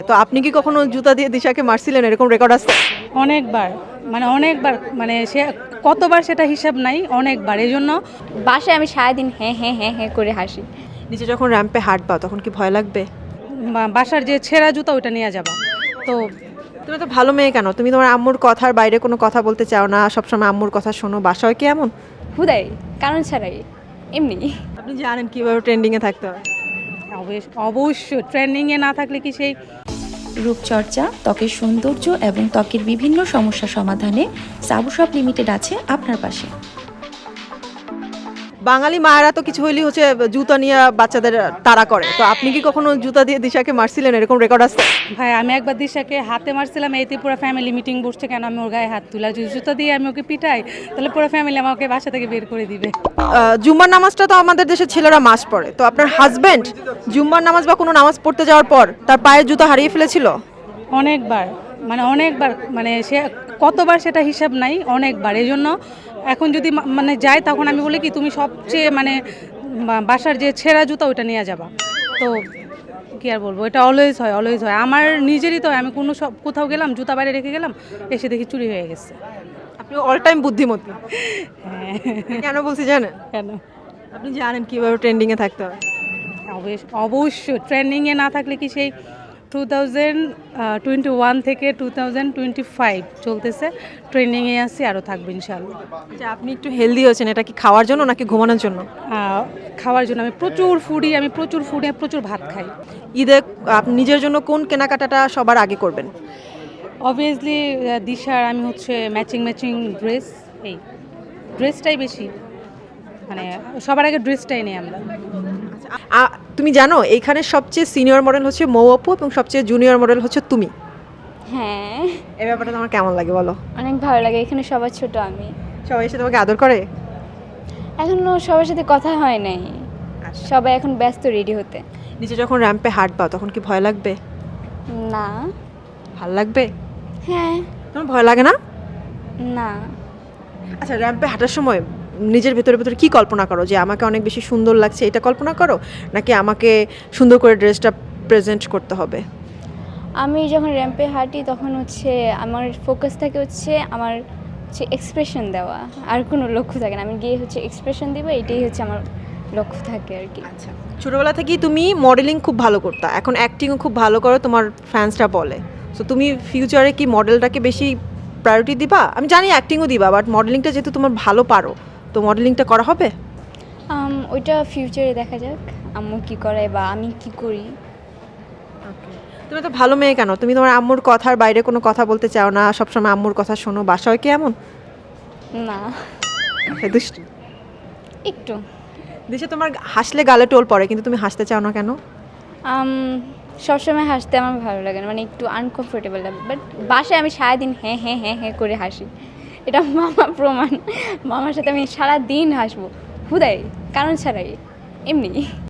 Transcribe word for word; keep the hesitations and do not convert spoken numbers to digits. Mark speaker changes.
Speaker 1: তো আপনি কি কখনো জুতা দিয়ে দিশাকে মারছিলেন, এরকম রেকর্ড আছে?
Speaker 2: অনেকবার, মানে অনেকবার, মানে সে কতবার সেটা হিসাব নাই, অনেকবার। এই জন্য
Speaker 3: বাসায় আমি সারাদিন হ্যাঁ হ্যাঁ হ্যাঁ হ্যাঁ করে হাসি।
Speaker 1: নিচে যখন র্যাম্পে হাঁটবা তখন কি ভয় লাগবে?
Speaker 2: বা- বাসার যে ছেঁড়া জুতা ওইটা নিয়ে যাবা। তো
Speaker 1: তুমি তো ভালো মেয়ে, কেন তুমি তোমার আম্মুর কথার বাইরে কোনো কথা বলতে চাও না, সবসময় আম্মুর কথা শোনো? বাসায় কি এমন?
Speaker 3: হুদাই, কারণ ছাড়াই, এমনি।
Speaker 1: আপনি জানেন কিভাবে ট্রেন্ডিংয়ে থাকতে হয়।
Speaker 2: অবশ্য- অবশ্যই ট্রেন্ডিংয়ে না থাকলে কি সেই
Speaker 4: রূপচর্চা, ত্বকের সৌন্দর্য এবং ত্বকের বিভিন্ন সমস্যা সমাধানে সাবু শপ লিমিটেড আছে আপনার পাশে।
Speaker 1: বাঙালি মায়েরা তো কিছু হইলেই হচ্ছে জুতা নিয়ে বাচ্চাদের তাড়া করে, তো আপনি কি কখনো জুতা দিয়ে দিশাকে মারছিলেন, এরকম রেকর্ড আছে?
Speaker 2: ভাই, আমি একবার দিশাকে হাতে মারছিলাম, এইতে পুরো ফ্যামিলি মিটিং বসছে কেন আমি ওর গায়ে হাত তুলা, যদি জুতা দিয়ে আমি ওকে পিটাই তাহলে পুরো ফ্যামিলি আমাকে বাসা থেকে বের করে দিবে।
Speaker 1: আহ, জুম্মার নামাজটা তো আমাদের দেশের ছেলেরা মাস পড়ে, তো আপনার হাজবেন্ড জুম্মার নামাজ বা কোনো নামাজ পড়তে যাওয়ার পর তার পায়ের জুতা হারিয়ে ফেলেছিল?
Speaker 2: অনেকবার, মানে অনেকবার, মানে সে কতবার সেটা হিসাব নাই, অনেকবার। এই জন্য এখন যদি মা- মানে যাই তখন আমি বলি কি তুমি সবচেয়ে মানে বা- বাসার যে ছেঁড়া জুতা ওইটা নিয়ে যাবা। তো কি আর বলবো, এটা অলওয়েজ হয়, অলওয়েজ হয়। আমার নিজেরই তো হয়, আমি কোনো সব কোথাও গেলাম জুতা বাইরে রেখে গেলাম, এসে দেখি চুরি হয়ে গেছে।
Speaker 1: আপনি অল টাইম বুদ্ধিমতী।
Speaker 2: হ্যাঁ।
Speaker 1: কেন বলছি জানেন?
Speaker 2: কেন?
Speaker 1: আপনি জানেন কিভাবে ট্রেন্ডিংয়ে থাকতে হয়।
Speaker 2: অবশ্য- অবশ্যই ট্রেন্ডিংয়ে না থাকলে কি সেই টু থাউজেন্ড টোয়েন্টি ওয়ান থেকে টু থাউজেন্ড টোয়েন্টি ফাইভ চলতেছে, ট্রেন্ডিংয়ে আছি, আরও থাকবে ইনশাল্লাহ।
Speaker 1: আচ্ছা, আপনি একটু হেলদি হয়েছেন, এটা কি খাওয়ার জন্য নাকি ঘুমানোর জন্য?
Speaker 2: আহ, খাওয়ার জন্য আমি প্রচুর ফুডি, আমি প্রচুর ফুডি, আমি প্রচুর ভাত খাই।
Speaker 1: ঈদে আপনি নিজের জন্য কোন কেনাকাটাটা সবার আগে করবেন?
Speaker 2: অবভিয়াসলি দিশার আমি হচ্ছে ম্যাচিং ম্যাচিং ড্রেস, এই ড্রেসটাই বেশি, মানে সবার আগে ড্রেসটাই নেই আমরা।
Speaker 1: আ- তুমি জানো এইখানে সবচেয়ে সিনিয়র মডেল হচ্ছে মৌ আপু এবং সবচেয়ে জুনিয়র মডেল হচ্ছে তুমি।
Speaker 3: হ্যাঁ,
Speaker 1: এই ব্যাপারটা তোমার কেমন লাগে বলো?
Speaker 3: অনেক ভালো লাগে। এখানে সবার ছোট আমি।
Speaker 1: সবাই এসে তোমাকে আদর করে?
Speaker 3: এখনো সবার সাথে কথা হয় নাই, সবাই এখন ব্যস্ত রেডি হতে।
Speaker 1: নিচে যখন র্যাম্পে হাঁটবা তখন কি ভয় লাগবে?
Speaker 3: না।
Speaker 1: ভাল লাগবে?
Speaker 3: হ্যাঁ।
Speaker 1: তোমার ভয় লাগে না?
Speaker 3: না।
Speaker 1: আচ্ছা, র্যাম্পে হাঁটার সময় নিজের ভেতরে ভেতরে কি কল্পনা করো? যে আমাকে অনেক বেশি সুন্দর লাগছে এটা কল্পনা করো, নাকি আমাকে সুন্দর করে ড্রেসটা প্রেজেন্ট করতে হবে?
Speaker 3: আমি যখন র্যাম্পে হাঁটি তখন হচ্ছে আমার ফোকাস থাকে হচ্ছে আমার হচ্ছে এক্সপ্রেশন দেওয়া, আর কোনো লক্ষ্য থাকে না। আমি গিয়ে হচ্ছে এক্সপ্রেশন দিব, এটাই হচ্ছে আমার লক্ষ্য থাকে আর কি।
Speaker 1: আচ্ছা, ছোটবেলা থেকেই তুমি মডেলিং খুব ভালো করতা, এখন অ্যাক্টিংও খুব ভালো করো, তোমার ফ্যান্সরা বলে। সো তুমি ফিউচারে কি মডেলটাকে বেশি প্রায়োরিটি দিবা? আমি জানি অ্যাক্টিংও দিবা, বাট মডেলিংটা যেহেতু তোমার ভালো পারো, তো মডেলিংটা করা হবে?
Speaker 3: আম, ওইটা ফিউচারে দেখা যাক আম্মু কি করে বা আমি কি করি।
Speaker 1: তুমি তো ভালো মেয়ে, কেন তুমি তোমার আম্মুর কথার বাইরে কোনো কথা বলতে চাও না, সবসময় আম্মুর কথা শোনো? বাসায় কি এমন?
Speaker 3: না,
Speaker 1: হে দুষ্টু।
Speaker 3: একটু।
Speaker 1: দেশে তোমার হাসলে গালে টোল পড়ে, কিন্তু তুমি হাসতে চাও না কেন?
Speaker 3: আম, সবসময় হাসতে আমার ভালো লাগে না, মানে একটু আনকমফোর্টেবল লাগে। বাট বাসায় আমি সারাদিন হ্যাঁ হ্যাঁ হ্যাঁ হ্যাঁ করে হাসি। এটা মামা প্রমাণ। মামার সাথে আমি সারাদিন হাসবো, হুদাই, কারণ ছাড়াই, এমনি।